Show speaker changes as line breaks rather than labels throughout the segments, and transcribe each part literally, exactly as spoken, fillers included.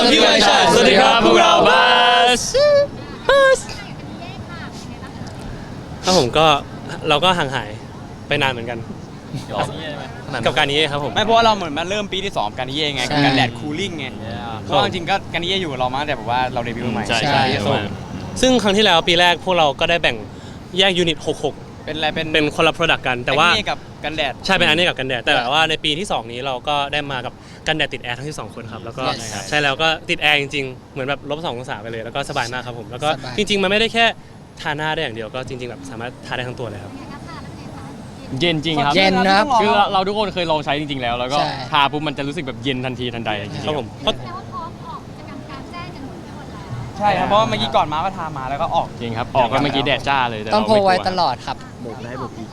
พี่วายชาสวัสดีครับพวกเราบัสบัสครับผมก็เราก็ห่างหายไปนานเหมือนกันกับการนี้ครับผม
ไม่เพราะว่าเราเหมือนมาเริ่มปีที่สองการนี้ไงกับการแดดคูลิ่งไงเพราะจริงๆก็การนี้อยู่เรามาแต่แบบว่าเราเดบิวต์ใหม่
ใช่ใช่ซึ่งครั้งที่แล้วปีแรกพวกเราก็ได้แบ่งแยกยูนิตหกหก
เป็นอะไรเป็น
เป็นคนละ product กันแต่ว่า
กับกันแดด
ใช่เป็นอันนี้กับกันแดดแต่ว่าในปีที่สองนี้เราก็ได้มากับกันแดดติดแอร์ทั้งที่สองคนครับแล้วก็ใช่แล้วก็ติดแอร์จริงๆเหมือนแบบลบสององศาไปเลยแล้วก็สบายมากครับผมแล้วก็จริงๆมันไม่ได้แค่ทาหน้าได้อย่างเดียวก็จริงๆแบบสามารถทาได้ทั้งตัวเลยครับ
เย็นจริงครับ
เย็นนะครับ
คือเราทุกคนเคยลองใช้จริงๆแล้วแล้วก็ทาปุ๊บมันจะรู้สึกแบบเย็นทันทีทันใด
ครับผมเพราะ
ใช่ครับเพราะเมื่อกี้ก่อนมาก็ทามาแล้วก็ออก
จริงครับออกก็เมื่อกี้แดดจ้าเลย
ต้องโพไว้ตลอดครับ
บุกได้บุกอีก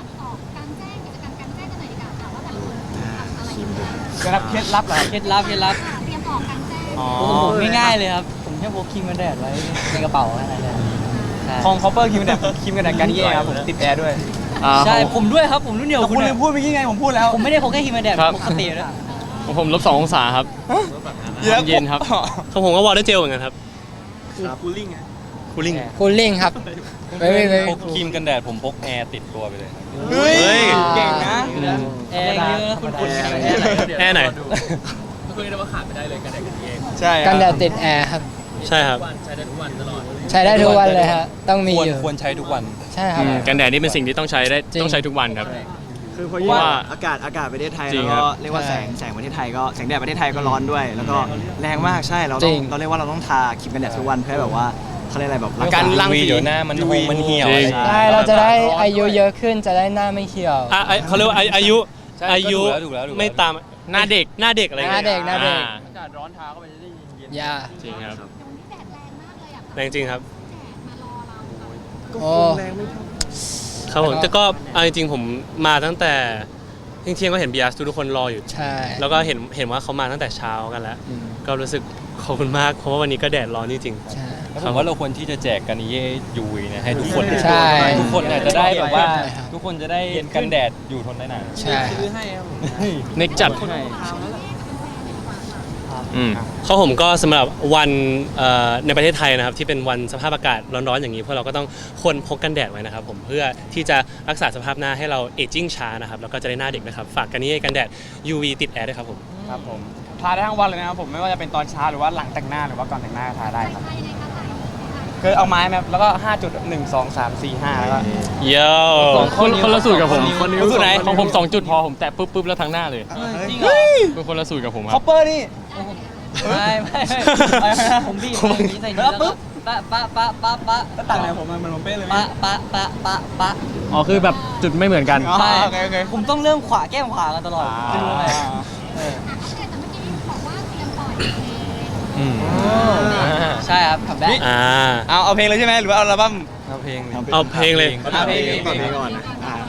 เคล็ดลับเคล็ดลับเหรอ
เคล็ดลับเคล็ดลับผมง่ายๆเลยครับผมแค่พกครีมกันแดดไว้ในกระเป๋าอะไรเนี่ย
ของคอปเปอร์ครีมกันแดดครีมกันแดดกันเย่ครับผมติดแอร์ด้วย
ใช่ผมด้วยครับผมรุ่นเดียว
คุณลืมพูดเมื่อกี้ไงผมพูดแล้ว
ผมไม่ได้พกแค่ครีมกันแดดปกติด้วย
ผมลบสององศาครับเย็นครับ
ของผมก็วอเตอร์เจลเหมือนกันครับ
คูลิ่ง
คูลิ่ง
คูลิ่งครับไม่ไม่ไม่
พกครีมกันแดดผมพกแอร์ติดตัวไปเลย
เฮ้ยเก่งนะ
แอร์เยอะคุณคุณ
แอร์ไหน
คุณเรียกว่าขาดไม่ได้เลยกันแดดกันเอง
ใช่
กันแดดติดแอร์ครับ
ใช่ครับ
ใช้ได้ทุกวันตลอด
ใช้ได้ทุกวันเลยฮะต้องมีอยู่
ควรใช้ทุกวัน
ใช่ครับ
กันแดดนี่เป็นสิ่งที่ต้องใช้ได้ต้องใช้ทุกวันครับ
คือเพราะว่าอากาศอากาศประเทศไทยแล้วก็เรียกว่าแสงแสงประเทศไทยก็แสงแดดประเทศไทยก็ร้อนด้วยแล้วก็แรงมากใช่เราต้องเราเรียกว่าเราต้องทาครีมกันแดดทุกวันเพื่อแบบว่าเขาเรียกอะไรแบบ
การรังสีเดี๋ยวหน้ามันหงมันเหี่ยว
ใช่เราจะได้อายุเยอะขึ้นจะได้หน้าไม่เหี่ยว
อ่ะเขาเรียกว่าอายุอายุไม่ตาม
หน้าเด็ก
หน้าเด็กอะไร
หน้าเด็กหน้าเด็ก
อากาศร้อนทาเข้าไปจะได้เย็น
ยา
จริงครับ
แรงจริงครับ
โอ้
ครับผมแต่ก็เอาจริงๆผมมาตั้งแต่เที่ยงๆก็เห็นบีอาร์ทุกคนรออยู่
ใช่
แล้วก็เห็นเห็นว่าเขามาตั้งแต่เช้ากันแล้วก็รู้สึกขอบคุณมากเพราะว่าวันนี้ก็แดดร้อนจริง
ใช่
ผมว่าเราควรที่จะแจกกันเย่ยูวีเนี่ยให้ทุกคน
ใช่
ทุกคนเนี่ยจะได้แบบว่าทุกคนจะได้กันแดดอยู่ทนได้นาน
ใช่
ซื้อให้ครับ
เน็กจัด
เขาผมก็สำหรับวันในประเทศไทยนะครับที่เป็นวันสภาพอากาศร้อนๆอย่างนี้พวกเราก็ต้องควรพกกันแดดไว้นะครับผมเพื่อที่จะรักษาสภาพหน้าให้เราเอจจิ้งช้านะครับแล้วก็จะได้หน้าเด็กนะครับฝากกันนี้กันแดด ยู วี ติดแอร์ด้วยครับผม
ครับผมทาได้ทั้งวันเลยนะครับผมไม่ว่าจะเป็นตอนเช้าหรือว่าหลังแต่งหน้าหรือว่าก่อนแต่งหน้าทาได้ครับคือเอาไม้มาแล้วก็ห้าจุดหนึ่ง สอง สาม สี่ ห้าแล้วก็
เยอะ
คนคนละสูตรกับผม
คนสูตรไหน
ของผมสองจุดพอผมแตะปุ๊บปุ๊บแล้วทั้งหน้าเลย
จริงเหรอ
เป็นคนละสูตรกับผมค
รับคอปเปอร์นี่
ไม่ไม่ผมบีบนี้ใส่นี้แล้วปุ๊บปะปะปะปะปะ
ต่างไหนผมมันมันเป๊ะเลย
ปะปะปะปะปะ
อ๋อคือแบบจุดไม่เหมือนกัน
ใช่ผมต้องเริ่มขวาแก้มขวากันตลอดไม่รู้อะไรใช่ครับคัมแบ็ค
อ่า
เอาเอาเพลงเลยใช่ไหมหรือว่าเอาอัลบั้ม
เอาเพลง
เอาเพลงเลย
เอาเพลง
ก่อนก่อนนะ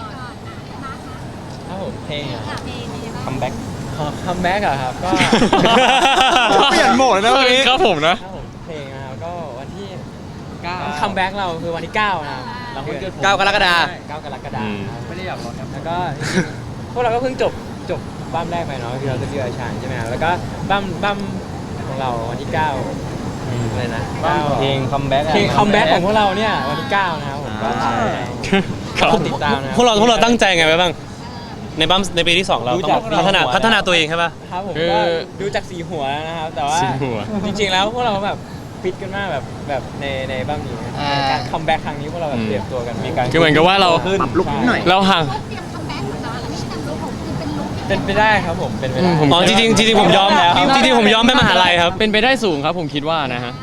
ครับผมเพลง
คัมแบ็ค
คัมแบ็กอะครับก็
เปลี่ยนโหมดนะวันนี้
ครับผมนะ
เพลงนะครับก็วันที่เก้าคัมแบ็กเราคือวันที่เก้านะครับ
เก้ากรกฎาคม
เก้ากรกฎาคมไม่ได้แบบรถครับแล้วก็พวกเราก็เพิ่งจบจบบั้มแรกไปเนาะคือเราจะเจอชานใช่ไหมครับแล้วก็บั้มบั้มของเราวันที่เก้าอะไรนะ
เพลงคัมแบ็ก
เพลงคัมแบ็กของพวกเราเนี่ยวันที่เก้านะครับผมก็ติดตามนะ
พวกเราพวกเราตั้งใจไงไปบ้างในบัมในปีที่สองเราต้องพัฒนาพัฒนาตัวเองใช่ป่ะ
ครับผมก็ดูจากสีหัวนะครับแต่ว่าจริงๆแล้วพวกเราแบบฟิตกันมากแบบแบบในในบัมนี้การคัมแบ็กครั้งนี้พวกเราแบบเตรียมตัวกันมีการ
คือเหมือนกับว่าเรา
ปรับลุคนิดหน่อย
เราห่าง
เป็นไปได้ครับผมเป็นไปได้
อ๋อจริงจริงผมยอมแล้วจริงๆผมยอมไปมหาลัยครับ
เป็นไปได้สูงครับผมคิดว่านะฮะ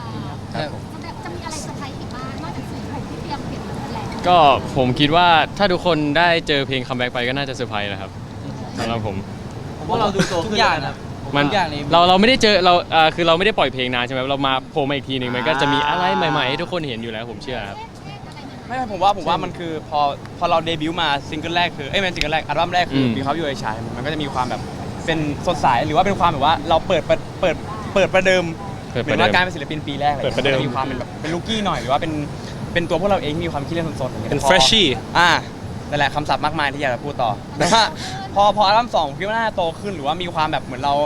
ก็ผมคิดว่าถ้าทุกคนได้เจอเพลงคัมแบ็กไปก็น่าจะเซอร์ไพรส์นะครับสำหรับผม
ผมว่าเราดูโตทุกอย่างนะ
มันเราเราไม่ได้เจอเราอ่าคือเราไม่ได้ปล่อยเพลงนานใช่ไหมเรามาโผล่มาอีกทีหนึ่งมันก็จะมีอะไรใหม่ๆให้ทุกคนเห็นอยู่แล้วผมเชื่อครับ
ไม่ผมว่าผมว่ามันคือพอพอเราเดบิวต์มาซิงเกิลแรกคือเอ้ยเป็นซิงเกิลแรกอัลบั้มแรกคือมีเขาอยู่ในชายมันก็จะมีความแบบเป็นสดใสหรือว่าเป็นความแบบว่าเราเปิดเปิดเปิดเปิดประเดิมเหมือนว่าการเป็นศิลปินปีแรกเลยจะมีความเป็นแบบเป็นลูกี้หน่อยหรือว่าเป็นเป็นตัวพวกเราเองมีความคิดเล่นสดๆอย่างเงี้ย
เป็น freshie
อ่านั่นแหละคำศัพท์มากมายที่อยากจะพูดต่อแต่ว่าพอพออัลบั้มสองคิดว่าน่าจะโตขึ้นหรือว่ามีความแบบเหมือนเรา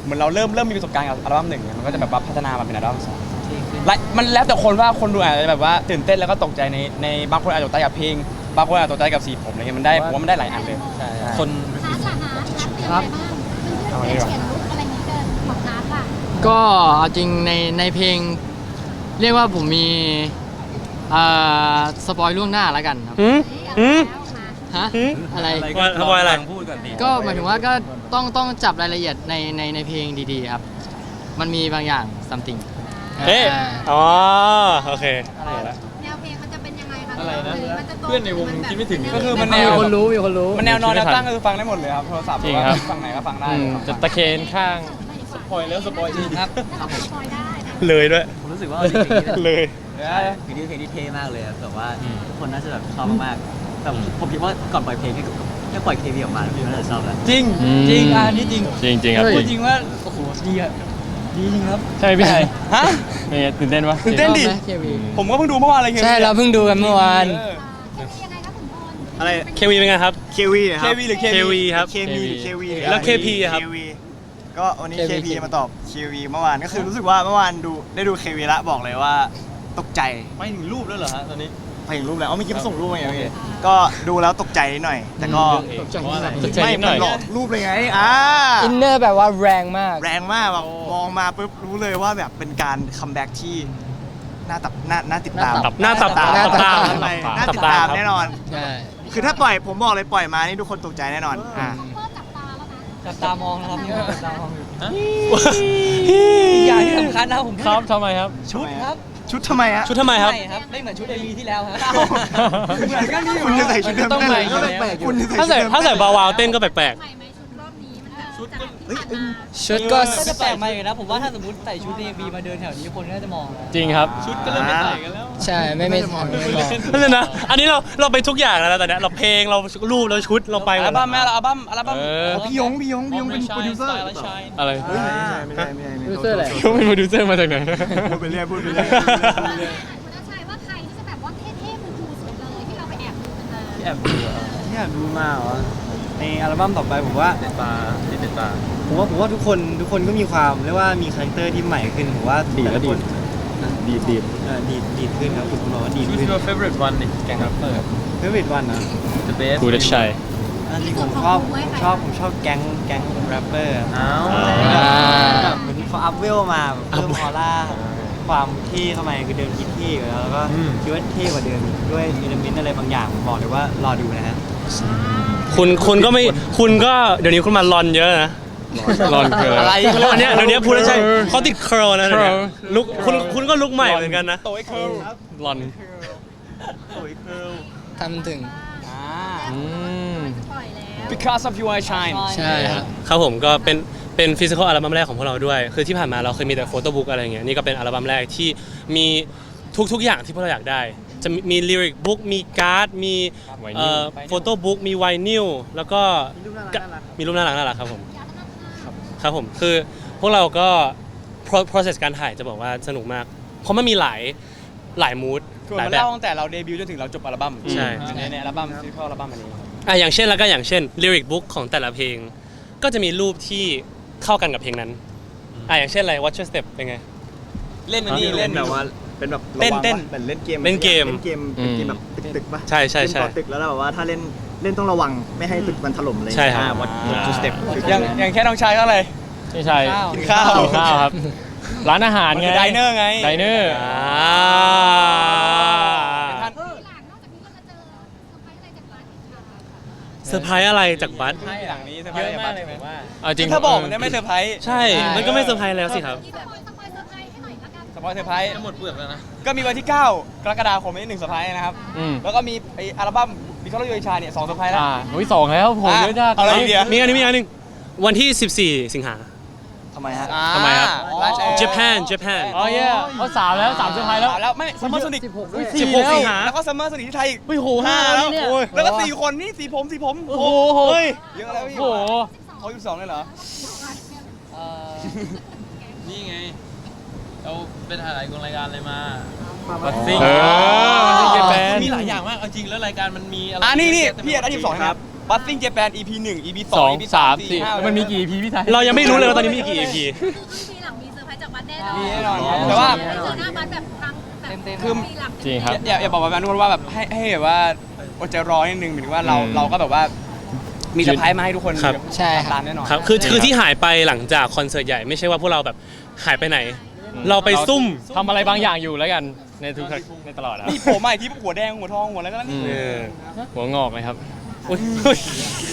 เหมือนเราเริ่มเริ่มมีประสบการณ์กับอัลบั้มหนึ่งเนี่ยมันก็จะแบบว่าพัฒนามาเป็นอัลบั้มสองและมันแล้วแต่คนว่าคนดูอาจจะแบบว่าตื่นเต้นแล้วก็ตกใจในในบางคนอาจจะตกใจกับเพลงบางคนอาจจะตกใจกับสีผมอะไรเงี้ยมันได้ผมว่ามันได้หลายอันเลย
คน
ครับเตรียมอะไรบ้างเขียนลุกอะไรนี้เกินของน้ำล่ะ
ก็เอาจริงในในเพลง เรียกว่าผมมีเอ่อสปอยล่วงหน้าแล้วกันครับ
อืมอืม
ฮะ
อืม
อะไร
ว่าทำไมอะไร
พูดก่อนดิ
ก็หมายถึงว่าก็ต้องต้องจับรายละเอียดในในในเพลงดีๆครับ มันมีบางอย่าง something
เอ๊ะ
อ่า
อ๋อโอเค
แนวเพลงมันจะเป็นยังไงคะ
อะไรนะ
มันจะโต
เพื่อนในวงคิดไม่ถึง
ก็คือมันแน
มี
ว
คนรู้มีคนรู้
มันแนวนอนแนวตั้งก็คือฟังได้หมดเลยครับโทรศัพท์
จริงครับ
ฟังไหนก็ฟังได้
อืมจะตะเคนข้าง
สปอยแล้วสปอยจริงครับสปอยได้นะ
เลยด้วย
ผมรู้สึกว่าเพลงนี้
เลย
เดี๋ยว
เพลงนี้เพลงที่เท่มากเลยอะแบบว่า
อืม
ทุกคนน่าจะแบบชอบมากๆแต่ผมคิดว่าก่อนปล่อยเพลงแค่แค่ปล่อยเคมีออกมาพี่น่าจะชอบแล้ว
จริง
อืม
จริงอ่ะนี่จริง
จริงจริงครับ
เฮ้ย
จ
จ
ริ
ริ
ง
งว่าโอ้โหดีอะดีจริงครับ
ใช่ไหมพี่ไทย
ฮะ
เป็นไงตื่นเต้นปะ
ตื่นเต้นดิ
ชอบไหม เค วี
ผมก็เพิ่งดูเมื่อวานเลย
ใช่เราเพิ่งดูกันเมื่อวาน
เออ
เคมียังไงครับขุนพล
อะไร
เควีเป็นไงครับ
เควีนะ
เค
ครับ
วีหรือเค
เควีครับ
เคมีหรือเควี
แล้ว เคพีอะครับ
เควีก็วันนี้
เค
เค
วี
พีมาตอบเควีเมื่อวานก็คือรู้สึกว่าเมื่อวานดูได้ดูเควีละบอกเลยว่าตกใจ
ไม่ถึงรูปแล้วเหรอฮะตอนนี้
ไปถึงรูปแล้วเอาเมื่อกี้มาส่งรูปมาไงเมื่อกี้ก็ดูแล้วตกใจนิดหน่อย แต่ก็
ตกใจนิดหน่อย
ตกใจ
ไม่
นิดหน่อย
มันหลอกรูปเลยไงอ่า
อินเนอร์แบบว่าแรงมาก
แรงมากแบบมองมาปุ๊บรู้เลยว่าแบบเป็นการคัมแบ็กที่น่าตับน่าน่าติดตาม
หน้าตับ
ตาม
หน้าตับ
ตาม
หน้าตับ
อะไรน่า
ตับ
ติด
ตา
ตาม
ครับ
แน่นอน
ใช่
คือถ้าปล่อยผมบอกเลยปล่อยมานี่ทุกคนตกใจแน่นอนอ่า
เพิ่มจับตาแล้วนะ
จับตามองนะครับพี่จับตามองอยู่
อี
กอย่างที่สำคัญนะผม
ครับทำไมครับ
ชุดครับชุดทำไมฮะ
ชุดทำไมครับ
ใช่ครับไม่เหมือนชุดเอลีที่แล้วครับ
เหมือนกันนี่คุณจะใส่ชุดเดิม
ต้องใหม่อยู่แล้ว
คุณจะ
ถ้า
ใส่
ใส่
ชุดเดิม
ถ้าใส่บาวาวเต้นก็แปลก
ใหม่ไหมชุดรอบนี้มันแบบชุดจากที่ผ่านมา
ชุดก็
ก็จะแปลกใหม่นะผมว่าถ้าสมมติใส่ชุดเนบีมาเดินแถวนี้คนก็จะมองนะ
จริงครับ
ชุดก็เริ่มไม่ใส่กันแล้ว
ใช่ไม่ไม่ไม่ไม่บอก
ๆนั่นเลยนะ อันนี้เราเราไปทุกอย่างแล้วนะตอนเนี้ยเราเพลงเรารูปเราชุดเราไปหม
อั
ด
ลบั้มแม่เราอัลบั้มอัลบั้ม
เออ
พี่ยงพี่ยงพี่ยงเป็นโปรดิวเซอร์
อะไร
เฮ้ยไม่ใช่ไม่ใช่ไม่ใช่
โปรดิวเซอร์อะไร
เขาเป็นโปรดิวเซอร์มาจากไหน
พูดไปเรื่อยพูดไปเรื่อย
คุณอาชัยว่าใครที่จะแบบว่าเท่ๆคูลๆสุดเลยที่เราไปแอบดูกันมา
แอบดูอะ
อยากดูมาเหรอในอัลบั้มต่อไปผมว่า
ติดตาติดติดตา
ผมว่าผมว่าทุกคนทุกคนก็มีความเรียกว่ามีคาแรคเตอร์ที่ใหม่ขึ้นผมว่าแต่ละคน
ดีดดีด
เออดีดดีดขึ้นครับคุณบอกว่าดีด
Who's
ขึ้น
your favorite one นี่แกงรับเปิด
เฟเวอร์วันนะ
The best
กูเด็กชัย
อันนี้ผมชอบผมชอบผมชอบแก๊งแก๊งแรปเปอร์
อ้าว
อ่า
แบบเหมือนเขาอัพเวลมาแบบเพิ่มออร่าความเท่เข้ามาคือเดิมคิดเท่อยู่แล้วแล้วก็คิดว่าเท่กว่าเดิมด้วยอิเลเมนต์อะไรบางอย่างผมบอกเลยว่ารอดูนะฮะ
คุณคุณก็ไม่คุณก็เดี๋ยวนี้คุณมาลอนเยอะนะ
รอนคืออะไร
อันเนี้ยเดี๋ยวนี้พูดแล้วใช่เขาติดเคิร์ลนะเดี๋ยวนี้
curl
ลุกคุณคุณก็ลุกใหม่เหมือนกันนะ
โตไอ้เคิร์ล
รอน
ทำถึง
อ่า
อืม
ปล่อยแล้ว
Because of You I Shine
ใช่ครับ
ครับผมก็เป็นเป็นฟิสิกอลอัลบั้มแรกของพวกเราด้วย คือที่ผ่านมาเราเคยมีแต่โฟโต้บุ๊กอะไรเงี้ยนี่ก็เป็นอัลบั้มแรกที่มีทุกๆอย่างที่พวกเราอยากได้ จะมีมีลิริกบุ๊กมีการ์ดมี
ไวนิล
เอ่อโฟโต้บุ๊กมีไวนิลแล้วก็มีรูปน่ารักน่ารักครับผมครับผมคือพวกเราก็ pro- process การถ่ายจะบอกว่าสนุกมาก เพราะมันมีหลายหลายมูด
คือ
หลาย
มัน
แบบ
เล่าตั้งแต่เราเดบิวต์จนถึงเราจบอัลบั้ม
ใช่
ในในอัลบั้มฟิสิคอลอัลบั้มอันนี้
อ่ะอย่างเช่นแล้วก็อย่างเช่นลิริกบุ๊กของแต่ละเพลง ก็จะมีรูปที่เข้ากันกับเพลงนั้นอ่ะอย่างเช่นอะไร Watch Your Step เป็นไง
เล่นอันนี้เล่น
แบบว่าเป็นแบบ
เต้นเต้น
เหมือนเล่นเกม
เล่นเกม
เล่นเกมเป็นเกมแบบตึกๆป่ะ
ใช่ใช่ใช่
เล่นต่อตึกแล้วแบบว่าถ้าเล่นเล่นต้องระวังไม่ให้ตึกมันถล่มเลย
ใช่ครับ
วัดวัดสเต็ป
อย่างอย่างแค่น้องชายก็อะไร
ใช่ใช่
กินข้าว
กินข้าวครับ ร้านอาหารไง
ไดเนอร์ไง
ไดเนอร์
อ่า
ท่าน
ทีหลังนอกจากนี้ก็จะเจอเซอร์ไพรส์อะไรจากร้านอีกค่ะ
เซอร์ไพรส์อะไรจากบัส
ให้หลังนี้เซอร์ไพร
เย
ส์
อะมากเลยผมว่า
เอาจริง
ถ้าบอกมันจะไม่เซอร์ไพรส์
ใช่ มันก็ไม่เซอร์ไพรส์แล้วสิครับ
ที่แบบสปอยเซอร์ไพรส์ให้หน่อยละกัน
สปอยเซอร์ไพรส์
จะหมดเปลือกแล้วนะ
ก็มีวันที่เก้ากรกฎาคมนี้หนึ่งเซอร์ไพรส์นะครับ
อืม
แล้วก็มีไออัลบั้มบิคอลยูไอชาเนี่ยสองเซอร์ไพรส์แล้ว
อ่าอุ้ยสองแล้วโหเยอะจัด
เอาอะไรอีกเดียว
มีอันนี้มีอันหนึงวันที่ สิบสี่ สิงหา
ทำไมฮะ
อ่า
ทำไมครับ
ร้านแอร์
Japan Japan
อ๋อเย่เอาสามแล้วสามเซอร์ไพรส์แล้ว
แล้วไม่ซัมเมอร์โซนิก
สิบหกด้วย
สิบหกสิงหา
แล้วก็ซัมเมอร์โซนิกที่ไทยอีก
อุ้ยโห
ห้า
ห้า
แล้
แล้ว วเนี่ย
โอ้ยแล้วก็สี่คนนี่สีผมสีผม
โอ้โห
เฮ้ยเยอะแล้วพี่
โอ้โห
เขาอยู่สองเลยเหรอ
นี่ไง เราเป็นถ่ายกองรายการอะไรมา
บัสซิ่งเออบัสซิ่งเจแปน
มีหลายอย่างมากเอาจริงแล้วรายการมันมีอะไร
อ่านี่นี่
เต็มไปหมด
พี่อันดับสิบสองนะครับบัสซิ่งเจแปน อี พี หนึ่ง อี พี ส
ส
อ
อง ง
อี พี
สาม
สี่
สี่
ห้า
มันมีกี่ อี พี พี่ไทย
เรายังไม่รู้เลยว่าตอนนี้มีกี่ อี พี
คือทีหลังมีเซอร์ไพรส์จากวัดแน่นอน
มีแน่นอนครับแต่ว่า
ไม่เจอหน้าบัสแบบครั้งแบบ
เต็มๆ
คือหลัง
จริงครับ
อย่าอย่าบอกแบบนั้นทุกคนว่าแบบให้ให้แบบว่าอดใจรอนิดนึงหมายถึงว่าเรา
อืม
เราก็แบบว่ามีเซอร์ไพรส์มาให้ทุกคน
ครับ
ใช่ครับ
ตามแน่นอน
ครับคือคือที่หายไปหลังจากคอนเสิร์ตใหญ่ไม่ใช่ว่าพวกเราแบบหายไปไหน เราไปซุ่ม
ทำอะไรบางอย่างอยู่แล้วกันในทุกในตลอดครับ
นี่ผมใหม่ที่หัวแดงหัวทองหัวอะไรก็แล้วนี่
เออ
หัวงอกเลยครับ
อุ๊ยอุ๊ย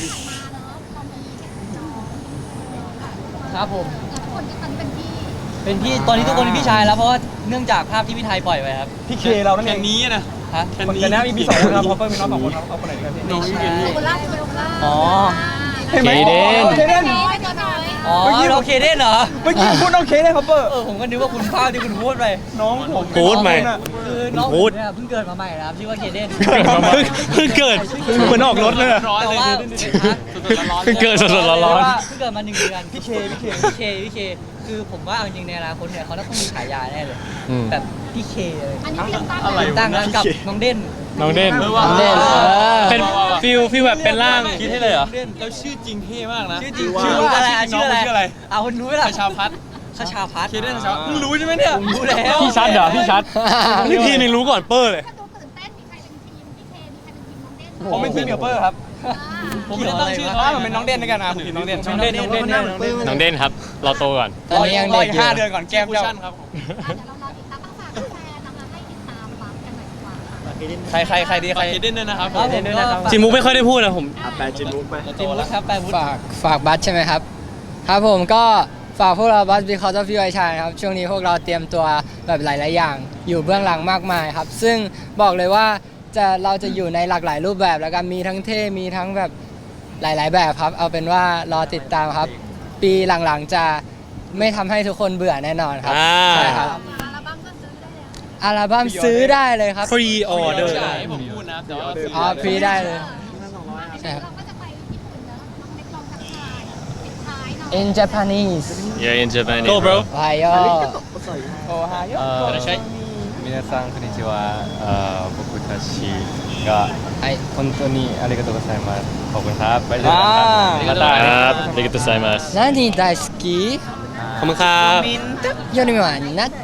ครับผม
ทุกคนก็ตอนนี้เป็นพี่
เป็นพี่ตอนนี้ทุกคนเป็นพี่ชายแล้วเพราะว่าเนื่องจากภาพที่พี่ไทยปล่อยไว้ครับ
พี่เคเรานั่นเองนี้นะ
ฮะ
คนกันนะมีพี่สองคนครับเขาเพิ่มมีน้องสองคนเขาคนไหนกันพี่
ไม่ใช่
โคล่าโคล่า
อ๋อ
ห็นไหม
เคเดน
เคเดน
ไม่ตัวน้อย
อ๋อเราเคเดนเหรอ
เมื่อกี้พูดน้องเคได้ครับเปอร์
เออผมก็นึกว่าคุณภาพที่คุณพูดไป
น้องผม
พูดไหม
คือน้อง
พู
ผม
ด
เนี่ยเพิ่งเกิดมาใหม่นะครับชื่อว่าเคเดน
เพิ่งเกิดเหมือนออกรถเลยอะ
แต่ว่าฮะ
เพิ่งเกิดสดๆร้อน
เพิ่งเกิดมาหนึ่งเดือนพี่เคพี่เคพี่เคพี่เคคือผมว่าเอาจริงในอนาคตเนี่ยเขาต้องมีฉายาแน่เลย
ๆอืม
แบบพี่เคเลย
อันนี้เตรียมตั้ง
อะไร
ตั้งแล้วกับน้องเด่น
น้องเด่น
น้องเด่นเออ
เป็นฟิลฟิลแบบเป็นร่าง
คิดให้เลยเหรอ
แล้วชื่อจริงเท่มากนะ
ชื่อจริง
ชื่
ชื่
อ
อ
ว่า
อะไร
ชื่
ชื่
อ
อ
น้
อะ
อง
ไร
ชื่ออะไร
เอาคุณรู้ไหมล่ะ
ชาพัฒ
ขชาพัฒน์
เคเดนชาเพิ่งรู้ใช่ไหมเนี่ย
ผมรู้แล้ว
พี่ชัดเหรอ พี่ชัด
นี่พีนึงรู้ก่อนเปอร์เลย
ถ้าดูตื่นเต้นมีใครเป็นทีมพี่เคมีใครเป็นทีมน้องเด่น
ผมเป็นทีมกับเปอร์ครับ
ผมไม่ได้ตั้งชื่อ
เขาว่ามันเป็นน้องเด่นด้วยกันนะผมทีมน้องเด่น
น้องเด่นน้องเด่นน้องเด่น
น้องเด่นครับ เราโตก่อน
ตอนนี้ยัง
รอ
เด็ก
อีก
อยู่
ห้าเดือนก่อนแก้มเจ้าครับ
เดี๋ยวเรารอติดตามต้องฝากแฟนนะคะให้ติดตามบัสกันหน่อยดีกว่าค่ะ
ใครใครใครดีใคร
เคเดนด้วยนะครับ
ครับผมก็ฝาก
จิมุกไม่ค่อยได้พูดนะผม
แปลจินมุกไป
จิมวุฒิครับแปลวุฒิ
ฝากฝากบัสใช่ไหมครับ ครับผมก็ฝากพวกเราบัส because of you ไอชายครับ ช่วงนี้พวกเราเตรียมตัวแบบหลาย ๆ อย่าง อยู่เบื้องหลังมากมายครับ ซึ่งบอกเลยว่าจะเราจะอยู่ในหลากหลายรูปแบบแล้วกันมีทั้งเท่มีทั้งแบบหลาย ๆ แบบครับ เอาเป็นว่ารอติดตามครับ ปีหลัง ๆ จะไม่ทำให้ทุกคนเบื่อแน่นอนครับ
อ่า
ใช่ครับ
อัลบั้มก็ซื้อได้แล้ว
อัลบั้มซื้อได้เลยครับ
พรีออเดอร์
ใช่
ได้
ผมพูดนะแต่ว่า
อ๋อพรีได้เลย ใช่
เดี๋ยว
ครับ
เราก็จะไปญี่ปุ่นเนอะน้องเล็กลองทักทายปิดท้ายเนาะ
in Japanese
Yeah in Japan
Go bro
โอไฮโอ
โอ้ฮาย
เอ่อ皆さんこんにちはเอ่อ僕たちが
ไอ
本当にありがとうございますขอบคุณครับไปเจอกันครับ
またครับありがとうございます
何大好き
ขอบคุณครับ
よりはなって